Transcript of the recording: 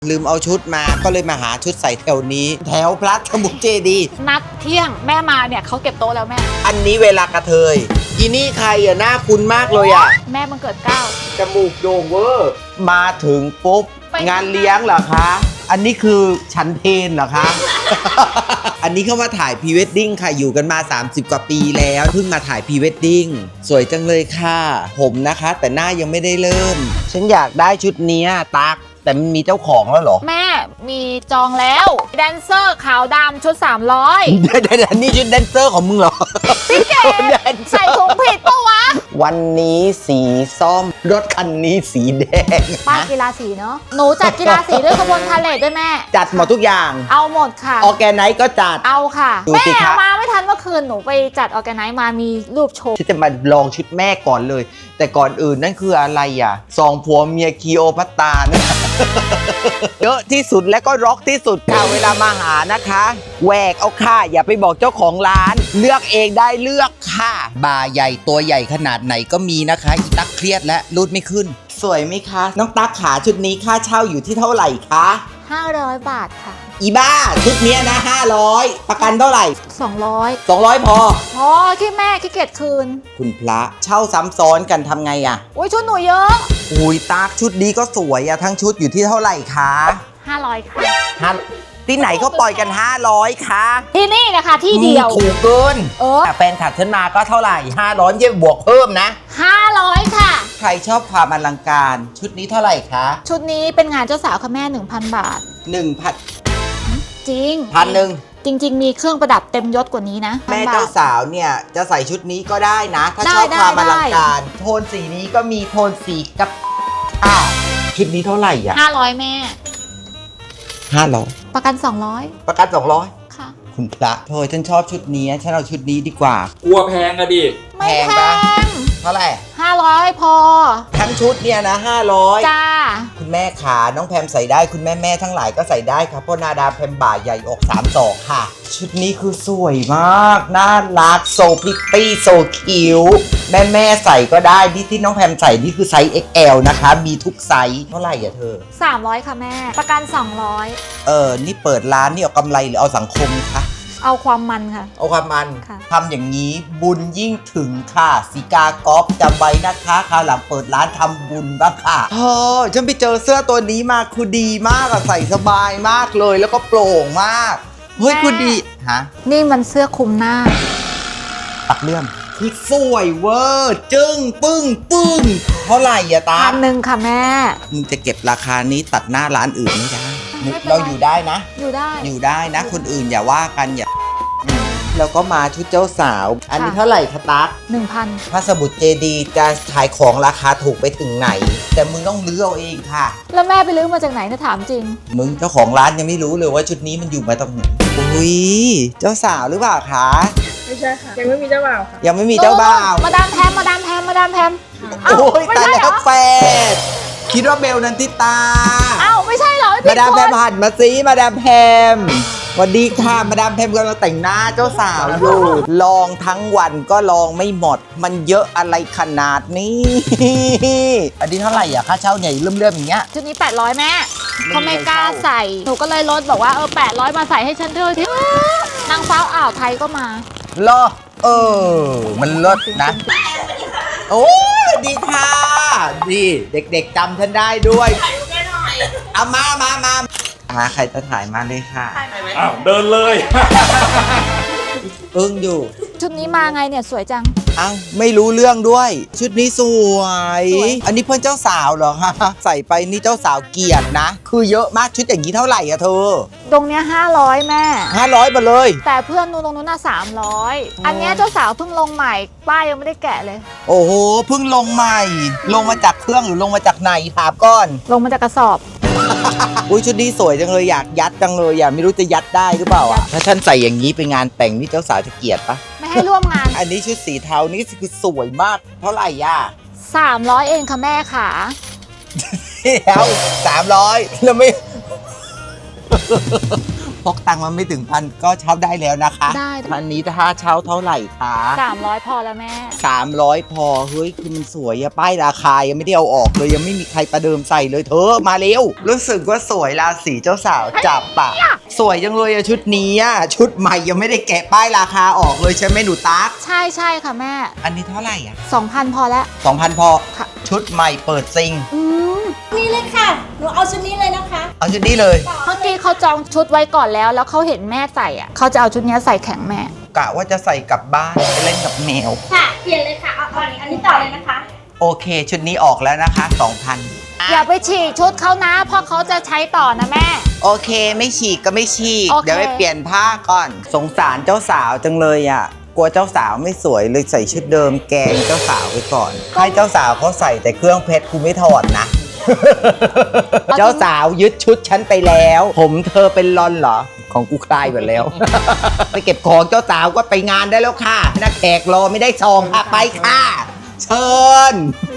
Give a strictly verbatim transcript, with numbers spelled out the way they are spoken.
ลืมเอาชุดมาก็เลยมาหาชุดใส่แถวนี้ แถวพระสมุทรเจดีย์นัดเที่ยงแม่มาเนี่ยเขาเก็บโต๊ะแล้วแม่อันนี้เวลากระเทยอีนี่ใครอ่ะหน้าคุ้นมากเลยอ่ะแม่มันเกิดเก้าจมูกโด่งเวอร์มาถึงปุ๊บงานเลี้ยงเหรอคะอันนี้คือฉันเพนเหรอคะ อันนี้เข้ามาถ่ายพรีเวดดิ้งค่ะอยู่กันมาสามสิบกว่าปีแล้วเพิ่งมาถ่ายพรีเวดดิ้งสวยจังเลยค่ะผมนะคะแต่หน้ายังไม่ได้เริ่มฉันอยากได้ชุดนี้ตักแต่มันมีเจ้าของแล้วเหรอแม่มีจองแล้วแดนเซอร์ขาวดำชุดสามร้อยเดี๋ยวนี่ชุดแดนเซอร์ของมึงเหรอพี่เก๋ใส่ถุงผิดปะวะวันนี้สีส้มรถคันนี้สีแดงป้ากีฬาสีเนาะหนูจัดกีฬาสีด้วยขบวนพาเหรดด้วยแม่จัดหมดทุกอย่างเอาหมดค่ะออร์แกไนซ์ก็จัดเอาค่ะแม่มาไม่ทันเมื่อคืนหนูไปจัดออร์แกไนซ์มามีรูปโชว์ที่จะมาลองชุดแม่ก่อนเลยแต่ก่อนอื่นนั่นคืออะไรอ่ะสองผัวเมียคีโอพัตตานะเยอะที่สุดและก็ร็อกที่สุดค่ะเวลามาหานะคะแหวกเอาค่ะอย่าไปบอกเจ้าของร้านเลือกเองได้เลือกค่ะบาใหญ่ตัวใหญ่ขนาดไหนก็มีนะคะอีตักเครียดและรูดไม่ขึ้นสวยไหมคะน้องตักขาชุดนี้ค่าเช่าอยู่ที่เท่าไหร่คะห้าร้อยบาทค่ะอีบ้าชุดนี้นะห้าร้อยประกันเท่าไหร่สองร้อยสองร้อยพอพอที่แม่ขี้เกียจคืนคุณพระเช่าซ้ำซ้อนกันทำไงอ่ะอุ้ยชุดหนูเยอะอุ้ยตักชุดนี้ก็สวยอะทั้งชุดอยู่ที่เท่าไหร่คะห้าร้อยค่ะห้าที่ไหนก็ปล่อยกันห้าร้อยค่ะที่นี่นะคะที่เดียวถูกเกินเออแฟนขับฉันมาก็เท่าไหร่ห้าร้อยเยี่ยมบวกเพิ่มนะห้าร้อยค่ะใครชอบความอลังการชุดนี้เท่าไหร่คะชุดนี้เป็นงานเจ้าสาวค่ะแม่ หนึ่งพัน บาทหนึ่งพันจริงพันหนึ่งจริงๆมีเครื่องประดับเต็มยศกว่านี้นะแม่เจ้าสาวเนี่ยจะใส่ชุดนี้ก็ได้นะถ้าชอบความอลังการโทนสีนี้ก็มีโทนสีกับอ่าชุดนี้เท่าไหร่อ่ะห้าร้อยแม่ห้าร้อยประกันสองร้อยประกันสองร้อยค่ะคุณพระเธอฉันชอบชุดนี้ฉันเอาชุดนี้ดีกว่ากลัวแพงอะดิไม่แพงเท่าไหร่ห้าร้อยพอทั้งชุดเนี่ยนะห้าร้อยจ้าคุณแม่ขาน้องแพมใส่ได้คุณแม่แม่ทั้งหลายก็ใส่ได้ครับเพราะนาดาแพมบ่าใหญ่อกสามศอกค่ะชุดนี้คือสวยมากน่ารักโซพริตตี้โซคิวแม่แม่ใส่ก็ได้ที่ที่น้องแพมใส่นี่คือไซส์ เอ็กซ์ แอล นะคะมีทุกไซส์เท่าไหร่อะเธอสามร้อยค่ะแม่ประกันสองร้อยเออนี่เปิดร้านนี่เอากำไรหรือเอาสังคมคะเอาความมันค่ะเอาความมันทำอย่างนี้บุญยิ่งถึงค่ะสีกากอฟจำไว้นะคะคราวหลังเปิดร้านทำบุญบ้างค่ะเออฉันไปเจอเสื้อตัวนี้มาคือดีมากอะใส่สบายมากเลยแล้วก็โปร่งมากเฮ้ยคือดีฮะนี่มันเสื้อคลุมหน้าปักเลื่อมคือสวยเวอร์จึ้งปึ้งปึ้งเท่าไหร่อะตาพันหนึ่งค่ะแม่มึงจะเก็บราคานี้ตัดหน้าร้านอื่นไม่ได้เราอยู่ได้นะอยู่ได้อยู่ได้นะคนอื่นอย่าว่ากันอย่าแล้วก็มาชุดเจ้าสาวอันนี้เท่าไหร่คะตั๊กหนึ่งพันพระสมุทรเจดีย์จะขายของราคาถูกไปถึงไหนแต่มึงต้องลื้อเอาเองค่ะแล้วแม่ไปลื้อมาจากไหนนะถามจริงมึงเจ้าของร้านยังไม่รู้เลยว่าชุดนี้มันอยู่มาตรงไหนอุ้ยเจ้าสาวหรือเปล่าคะไม่ใช่ค่ะยังไม่มีเจ้าบ่าวค่ะยังไม่มีเจ้าบ่าวมาดามแพมมาดามแพมมาดามแพมโอ้ยตายแล้วแฟนคิดว่าเบลนันทิตาอ้าวไม่ใช่เหรอมาดามแพมหันมาซิมาดามแพมสวัสดีค่ะมาดามแพมกำลังแต่งหน้าเจ้าสาวอยู่ลองทั้งวันก็ลองไม่หมดมันเยอะอะไรขนาดนี้อันนี้เท่าไหร่อ่ะค่าเช่าใหญ่เริ่มๆอย่างเงี้ยชุดนี้แปดร้อยแม่เขาไม่กล้าใส่หนูก็เลยลดบอกว่าเออแปดร้อยมาใส่ให้ฉันเถอะที่นางฟ้าอ่าวไทยก็มาเหรอเออมันลดนะโอ้ดีค่ะดีเด็กๆจำฉันได้ด้วยเอามามามาหาใครจะถ่ายมาเลยค่ะอ้าวเดินเลยอึ้งอยู่ชุดนี้มาไงเนี่ยสวยจังอ้าวไม่รู้เรื่องด้วยชุดนี้สวยอันนี้เพื่อนเจ้าสาวเหรอคะใส่ไปนี่เจ้าสาวเกียรตินะคือเยอะมากชุดอย่างนี้เท่าไหร่อะเธอตรงเนี้ยห้าร้อยแม่ห้าร้อยมาเลยแต่เพื่อนนู้นตรงนู้นน่ะสามร้อยอันเนี้ยเจ้าสาวเพิ่งลงใหม่ป้ายยังไม่ได้แกะเลยโอ้โหเพิ่งลงใหม่ลงมาจากเครื่องหรือลงมาจากไหนถามก่อนลงมาจากกระสอบอุ้ยชุดนี้สวยจังเลยอยากยัดจังเลยอยากไม่รู้จะยัดได้หรือเปล่าอ่ะถ้าฉันใส่อย่างนี้ไปงานแต่งนี่เจ้าสาวจะเกลียดปะไม่ให้ร่วมงานอันนี้ชุดสีเทานี่คือสวยมากเท่าไหร่ย่าสามร้อยเองค่ะแม่ค่ะเดี๋ยวสามร้อยแล้วไม่พกตังค์มาไม่ถึงพันก็เช่าได้แล้วนะคะได้พันนี้ถ้าเช่าเท่าไหร่คะสามร้อยพอแล้วแม่สามร้อยพอเฮ้ยคือมันสวยอะป้ายราคายังไม่ได้เอาออกเลยยังไม่มีใครประเดิมใส่เลยเธอมาเร็วรู้สึกว่าสวยราศีเจ้าสาวจับปะสวยจังเลยอะชุดนี้อะชุดใหม่ยังไม่ได้แกะป้ายราคาออกเลยใช่ไหมหนูตั๊กใช่ใช่ค่ะแม่อันนี้เท่าไหร่อะสองพันพอแล้วสองพันพอค่ะชุดใหม่เปิดซิงอืมนี่เลยค่ะ หนูเอาชุดนี้เลยนะคะเอาชุดนี้เลยเมื่อกี้เขาจองชุดไว้ก่อนแล้ว แล้วเขาเห็นแม่ใส่อ่ะเขาจะเอาชุดเนี้ยใส่แข่งแม่กะว่าจะใส่กลับบ้านไปเล่นกับแมวค่ะ เปลี่ยนเลยค่ะ เอาอันนี้อันนี้ต่อเลยนะคะโอเค ชุดนี้ออกแล้วนะคะสองพันอย่าไปฉีกชุดเขานะ เพราะเขาจะใช้ต่อนะแม่โอเคไม่ฉีกก็ไม่ฉีกโอเคเดี๋ยวไปเปลี่ยนผ้าก่อน สงสารเจ้าสาวจังเลยอ่ะ กลัวเจ้าสาวไม่สวยเลยใส่ชุดเดิมแกงเจ้าสาวไปก่อน ให้เจ้าสาวเขาใส่แต่เครื่องเพชรกูไม่ถอดนะ เจ้าสาวยึดชุดฉันไปแล้ว ผมเธอเป็นลอนเหรอ ของกูคลายหมดแล้ว ไปเก็บของเจ้าสาวก็ไปงานได้แล้วค่ะนักแขกรอไม่ได้ซองค่ะไปค่ะ เชิญ